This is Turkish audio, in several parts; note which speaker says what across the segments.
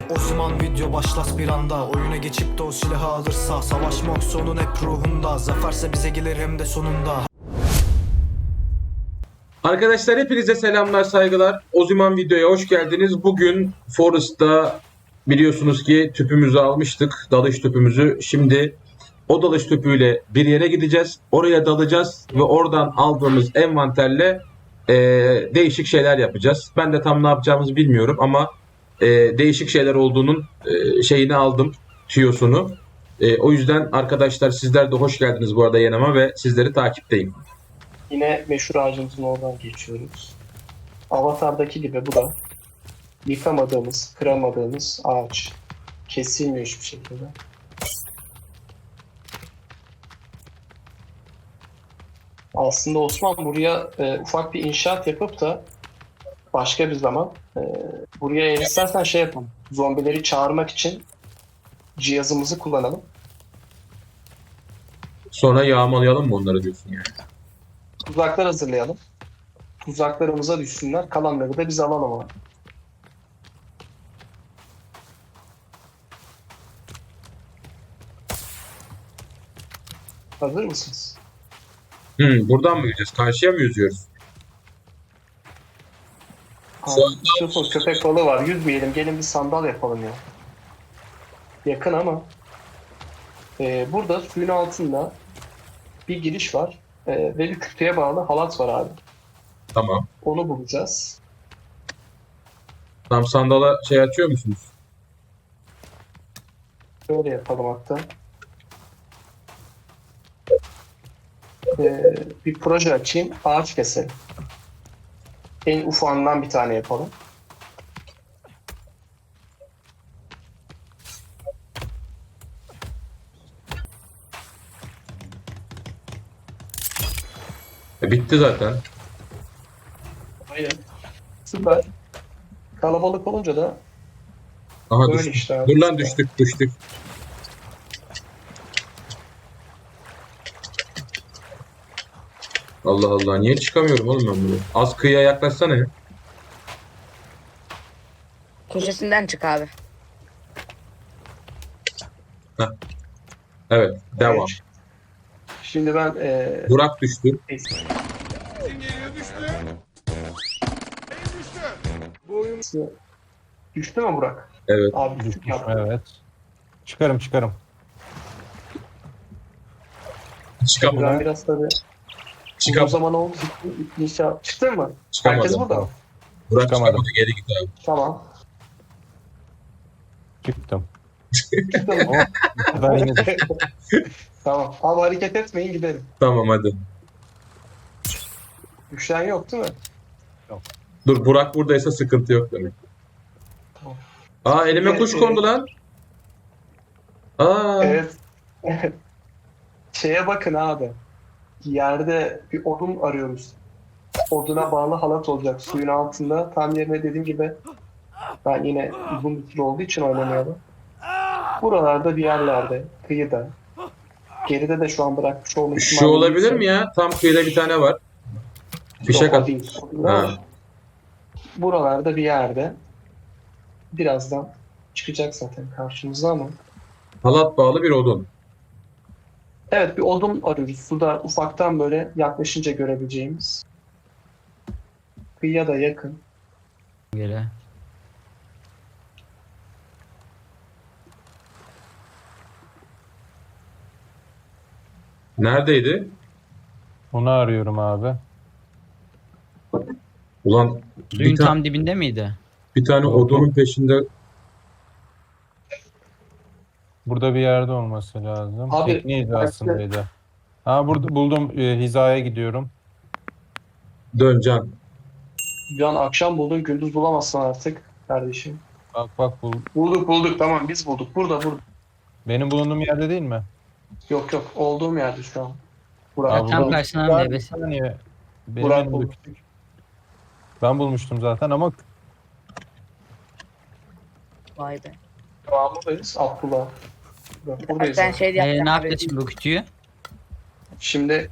Speaker 1: Osman video başlas bir anda. Oyuna geçip de o silahı alırsa, savaşmak sonun hep ruhunda. Zaferse bize gelir hem de sonunda.
Speaker 2: Arkadaşlar hepinize selamlar, saygılar. Oziman videoya hoş geldiniz. Bugün Forest'ta biliyorsunuz ki tüpümüzü almıştık. Dalış tüpümüzü. Şimdi o dalış tüpüyle bir yere gideceğiz. Oraya dalacağız ve oradan aldığımız envanterle değişik şeyler yapacağız. Ben de tam ne yapacağımızı bilmiyorum ama değişik şeyler olduğunun şeyini aldım. Tüyosunu. O yüzden arkadaşlar sizler de hoş geldiniz bu arada yanıma ve sizleri takipteyim.
Speaker 3: Yine meşhur ağacımızın oradan geçiyoruz. Avatar'daki gibi bu da yıkamadığımız, kıramadığımız ağaç. Kesilmiyor hiçbir şekilde. Aslında Osman buraya ufak bir inşaat yapıp da başka bir zaman buraya eğer istersen şey yapalım. Zombileri çağırmak için cihazımızı kullanalım.
Speaker 2: Sonra yağmalayalım mı onları diyorsun yani?
Speaker 3: Tuzaklar hazırlayalım. Tuzaklarımıza düşsünler. Kalanları da biz alalım ama. Hazır mısınız?
Speaker 2: Buradan mı gideceğiz? Karşıya mı yüzüyoruz?
Speaker 3: Yusuf köpek balığı var. Yüzmeyelim. Gelin bir sandal yapalım ya. Yakın ama. Burada suyun altında bir giriş var. Ve bir kütüğe bağlı halat var abi.
Speaker 2: Tamam.
Speaker 3: Onu bulacağız.
Speaker 2: Tam sandala şey açıyor musunuz?
Speaker 3: Böyle yapalım hatta. Bir proje açayım. Ağaç keselim. En ufağından bir tane yapalım.
Speaker 2: Bitti zaten.
Speaker 3: Aynen. Süper. Kalabalık olunca da
Speaker 2: Aha
Speaker 3: böyle
Speaker 2: düştük.
Speaker 3: işte abi.
Speaker 2: Dur lan düştük. Allah Allah niye çıkamıyorum oğlum ben bunu? Az kıyıya yaklaşsana ya.
Speaker 4: Köşesinden çık abi.
Speaker 2: Evet devam.
Speaker 3: Şimdi ben
Speaker 2: Burak düştü.
Speaker 3: düştü mü Burak?
Speaker 2: Evet.
Speaker 3: Abi düştük ya.
Speaker 5: Evet. Çıkarım.
Speaker 3: Ben
Speaker 2: Çıkamadım.
Speaker 3: biraz tabii uzun
Speaker 2: Çıkamadım.
Speaker 3: zaman oldu. İnşallah. Çıktın mı? Herkes
Speaker 2: Çıkamadım.
Speaker 3: burada mı?
Speaker 2: Burak
Speaker 5: Çıkamadım.
Speaker 2: çıkamadı. Geri git abi.
Speaker 3: Tamam.
Speaker 5: Çıktım.
Speaker 3: Çıktın mı?
Speaker 5: Ben yine düştüm.
Speaker 3: Tamam. Abi hareket etmeyin gidelim.
Speaker 2: Tamam hadi.
Speaker 3: Düşen yok değil mi?
Speaker 2: Dur Burak buradaysa sıkıntı yok demek.
Speaker 3: Tamam.
Speaker 2: Aa elime kuş kondu lan. Aa.
Speaker 3: Evet. Şeye bakın abi. Yerde bir odun arıyoruz. Oduna bağlı halat olacak suyun altında. Tam yerine dediğim gibi ben yine uzun bir süre olduğu için oynamıyorum. Buralarda bir yerlerde, kıyıda. Geride de şu an bırakmış olma ihtimali.
Speaker 2: Şu olabilir mi ya? Tam kıyıda bir tane var. Fişek
Speaker 3: Yok, o
Speaker 2: at.
Speaker 3: değil.
Speaker 2: Ha.
Speaker 3: Buralarda bir yerde. Birazdan çıkacak zaten karşımıza ama.
Speaker 2: Halat bağlı bir odun.
Speaker 3: Evet bir odun arıyoruz. Suda ufaktan böyle yaklaşınca görebileceğimiz. Kıyıya da yakın.
Speaker 6: Göre.
Speaker 2: Neredeydi?
Speaker 5: Onu arıyorum abi.
Speaker 2: Ulan
Speaker 6: Suyun
Speaker 2: bir, ta-
Speaker 6: tam dibinde miydi?
Speaker 2: bir tane
Speaker 5: Yok,
Speaker 2: odunun
Speaker 5: yok.
Speaker 2: peşinde.
Speaker 5: Burada bir yerde olması lazım.
Speaker 3: Abi,
Speaker 5: Tekne hizasındaydı. Ha burada buldum. Hizaya gidiyorum.
Speaker 2: Dön Can.
Speaker 3: Bir an akşam buldun gündüz bulamazsın artık kardeşim.
Speaker 5: Bak
Speaker 3: Bulduk tamam biz bulduk. Burada.
Speaker 5: benim bulunduğum yerde değil mi?
Speaker 3: Yok olduğum yerde şu an. Burak.
Speaker 5: Abi,
Speaker 6: Tam
Speaker 5: buldum.
Speaker 6: karşısına
Speaker 5: Bir
Speaker 6: meyvesi.
Speaker 5: saniye. Benim
Speaker 3: Burak
Speaker 5: elimde
Speaker 3: buldu.
Speaker 5: küçük. Ben bulmuştum zaten ama
Speaker 4: Vay be.
Speaker 3: Devamındayız. Abdullah.
Speaker 4: Bak
Speaker 3: Buradayız.
Speaker 4: ben şey yapacağım.
Speaker 6: Ne yaptı şimdi bu kütüğü?
Speaker 3: Şimdi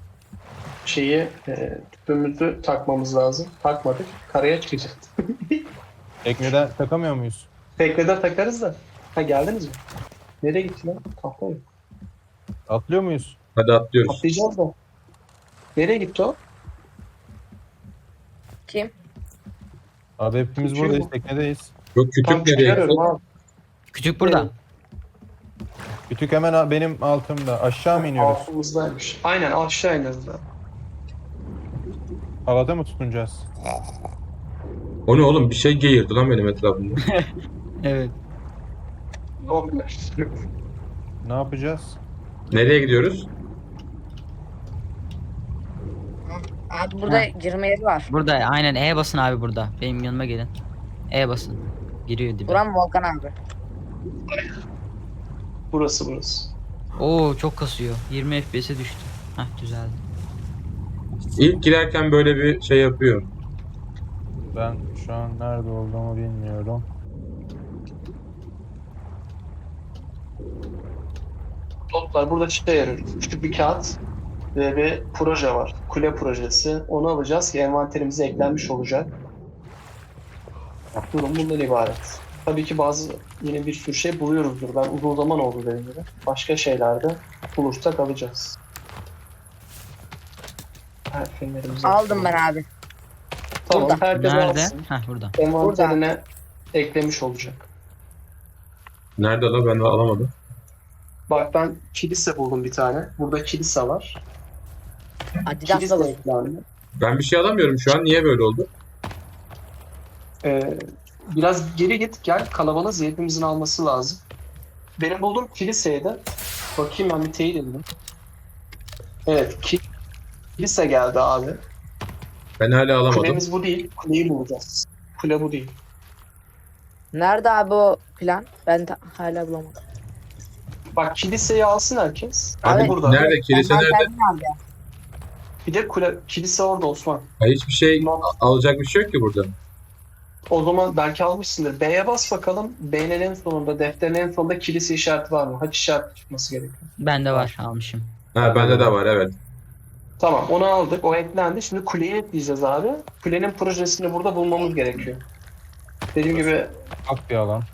Speaker 3: tüpümüzü takmamız lazım. Takmadık. Karaya çıkacağız.
Speaker 5: tekneden takamıyor muyuz?
Speaker 3: Teknede takarız da. Ha geldiniz mi? Nereye gitti lan? Tahta yok.
Speaker 5: Atlıyor muyuz?
Speaker 2: Hadi atlıyoruz.
Speaker 3: Atlayacağız da. Nereye gitti o?
Speaker 4: Kim?
Speaker 5: Abi hepimiz
Speaker 3: Küçüğü
Speaker 5: buradayız.
Speaker 3: bu.
Speaker 5: Teknedeyiz.
Speaker 2: Yok kütük
Speaker 3: Tam
Speaker 2: nereye
Speaker 3: çıkarıyorum
Speaker 2: gitti?
Speaker 3: abi.
Speaker 6: Kütük burada.
Speaker 3: Evet.
Speaker 5: Kütük hemen benim altımda. Aşağı mı iniyoruz?
Speaker 3: Altımızdaymış. Aynen aşağı ineriz da.
Speaker 5: Havada mı tutunacağız?
Speaker 2: O ne oğlum? Bir şey geğirdi lan benim etrafımda.
Speaker 6: Evet.
Speaker 5: Ne yapacağız?
Speaker 2: Nereye gidiyoruz?
Speaker 4: Abi burada girme yeri var.
Speaker 6: Burada aynen E basın abi burada. Benim yanıma gelin. E basın. Giriyor dibe.
Speaker 4: Buram Volkan abi.
Speaker 3: Burası.
Speaker 6: Oo çok kasıyor. 20 FPS'e düştü. Hah düzeldi.
Speaker 2: İlk girerken böyle bir şey yapıyor.
Speaker 5: Ben şu an nerede olduğumu bilmiyorum.
Speaker 3: Notlar burada şey yarıyor. Küçük bir kağıt ve bir proje var. Kule projesi. Onu alacağız ki envanterimize eklenmiş olacak. Durum bundan ibaret. Tabii ki bazı yine bir sürü şey buluyoruzdur. Ben uzun zaman oldu dediğim gibi. Başka şeylerde bulursak alacağız. Fenerimizi
Speaker 4: Aldım ben abi.
Speaker 3: Tamam,
Speaker 4: Burada.
Speaker 3: herkes
Speaker 6: Nerede?
Speaker 3: alsın.
Speaker 6: Hah burada.
Speaker 3: Envanterine eklemiş olacak.
Speaker 2: Nerede lan? Ben de alamadım.
Speaker 3: Bak ben kilise buldum bir tane. Burada kilise var.
Speaker 4: Adidas
Speaker 3: Kilise
Speaker 4: da
Speaker 3: eklendi.
Speaker 2: Ben bir şey alamıyorum şu an. Niye böyle oldu?
Speaker 3: Biraz geri git gel, kalabalığız, hepimizin alması lazım. Benim bulduğum kiliseydi. Bakayım ben bir teyit edeyim. Evet, kilise geldi abi.
Speaker 2: Ben hala alamadım.
Speaker 3: Kulemiz bu değil, kuleyi bulacağız. Kule bu değil.
Speaker 4: Nerede abi o plan? Ben hala bulamadım.
Speaker 3: Bak kiliseyi alsın herkes.
Speaker 2: Abi
Speaker 4: Abi,
Speaker 3: burada.
Speaker 2: nerede? Kilise nerede?
Speaker 4: Envanterini al ya.
Speaker 3: Bir de kilise orada Osman.
Speaker 2: Ha, hiçbir şey alacak bir şey yok ki burada.
Speaker 3: O zaman belki almışsındır. B'ye bas bakalım. B'nin en sonunda, defterin en sonunda kilise işareti var mı? Haç işareti çıkması gerekiyor.
Speaker 6: Bende var almışım.
Speaker 2: Ha bende de var evet.
Speaker 3: Tamam, onu aldık. O eklendi. Şimdi kuleyi ekleyeceğiz abi. Kulenin projesini burada bulmamız gerekiyor. Dediğim gibi
Speaker 5: Bak bir alan.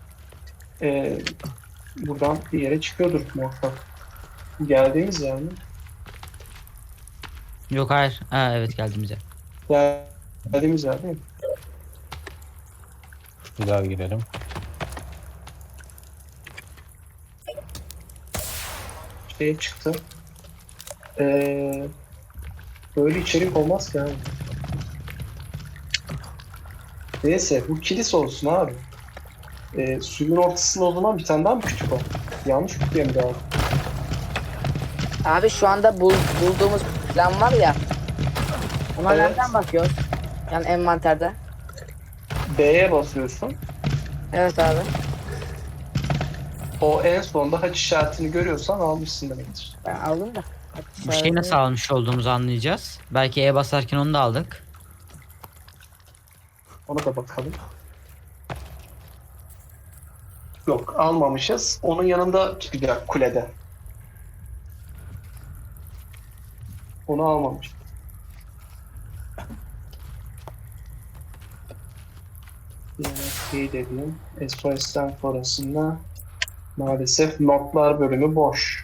Speaker 3: buradan bir yere çıkıyordur muhakkak. Geldiğimiz yer mi?
Speaker 6: Yok hayır. Ha evet geldiğimiz yer.
Speaker 3: Geldiğimiz yer değil mi?
Speaker 5: Bir daha girelim.
Speaker 3: Şey çıktı. Böyle içerik olmaz ki abi. Neyse bu kilise olsun abi. Suyun ortasında o zaman bir tane daha mı kütük var? Yanlış kütüğe mi daha?
Speaker 4: Abi şu anda bulduğumuz plan var ya. Ona
Speaker 3: Evet.
Speaker 4: nereden bakıyoruz? Yani envanterde.
Speaker 3: B'ye basıyorsun.
Speaker 4: Evet abi.
Speaker 3: O en sonda haç işaretini görüyorsan almışsın demektir.
Speaker 4: Ben aldım da.
Speaker 6: Bu şeyi nasıl almış olduğumuzu anlayacağız. Belki E basarken onu da aldık.
Speaker 3: Ona da bakalım. Yok almamışız. Onun yanında çıkacak kulede. Onu almamış. Şey dediğim SOS'ten sonrasında maalesef notlar bölümü boş.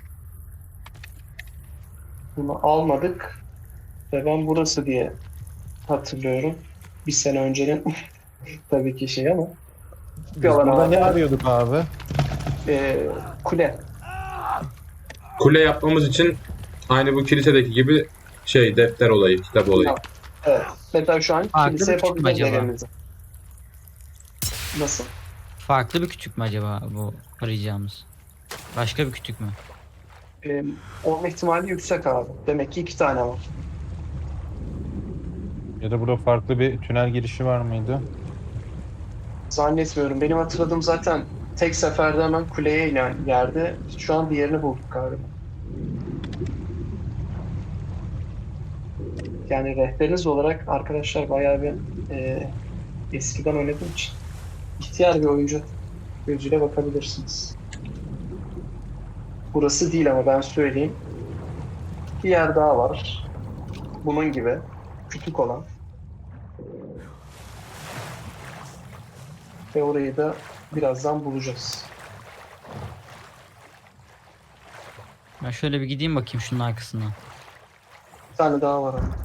Speaker 3: Bunu almadık ve ben burası diye hatırlıyorum. Bir sene öncenin tabii ki şey ama
Speaker 5: Biz
Speaker 3: yalan
Speaker 5: burada
Speaker 3: abi.
Speaker 5: ne arıyorduk abi?
Speaker 3: Kule.
Speaker 2: Kule yapmamız için aynı bu kilisedeki gibi şey defter olayı, kitap olayı.
Speaker 3: Evet. Mesela şu an
Speaker 6: Farklı
Speaker 3: kilise
Speaker 6: bir küçük mü
Speaker 3: yapabiliriz
Speaker 6: acaba?
Speaker 3: evimizi. Nasıl?
Speaker 6: Farklı bir kütük mü acaba bu arayacağımız? Başka bir kütük mü?
Speaker 3: Olma ihtimali yüksek abi. Demek ki 2 tane var.
Speaker 5: Ya da burada farklı bir tünel girişi var mıydı?
Speaker 3: Zannetmiyorum. Benim hatırladığım zaten tek seferde hemen kuleye inen yerde. Şu an diğerini bulduk galiba. Yani rehberiniz olarak arkadaşlar bayağı bir eskiden oynadığım için ihtiyar bir oyuncu gözüyle bakabilirsiniz. Burası değil ama ben söyleyeyim. Bir yer daha var. Bunun gibi. Küçük olan. Ve orayı da birazdan bulacağız.
Speaker 6: Ben şöyle bir gideyim bakayım şunun arkasına.
Speaker 3: Bir tane daha var ama.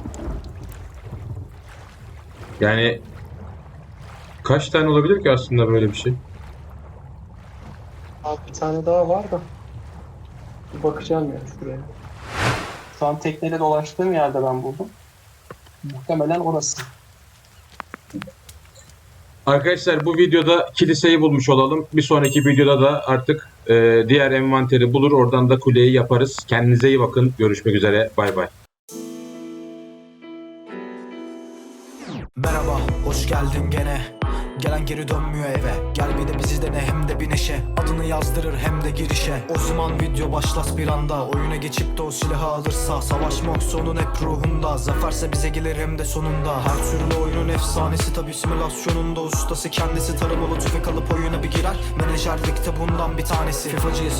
Speaker 2: Yani kaç tane olabilir ki aslında böyle bir şey?
Speaker 3: Abi bir tane daha var da. Bir bakacağım ya şuraya. Şu an tekneyle dolaştığım yerde ben buldum. Muhtemelen orası.
Speaker 2: Arkadaşlar bu videoda kiliseyi bulmuş olalım. Bir sonraki videoda da artık diğer envanteri bulur. Oradan da kuleyi yaparız. Kendinize iyi bakın. Görüşmek üzere. Bay bay.
Speaker 1: Merhaba, hoş geldin gene. Gelen geri dönmüyor eve. Gel bir de bizi dene hem de bir neşe. Adını yazdırır hem de girişe. O zaman video başlas bir anda. Oyuna geçip de o silahı alırsa. Savaşmak sonun hep ruhunda. Zaferse bize gelir hem de sonunda. Her türlü oyunun efsanesi tabi simülasyonunda. Ustası kendisi taramalı tüfek alıp oyuna bir girer. Menajerlikte bundan bir tanesi. FIFA'cıyız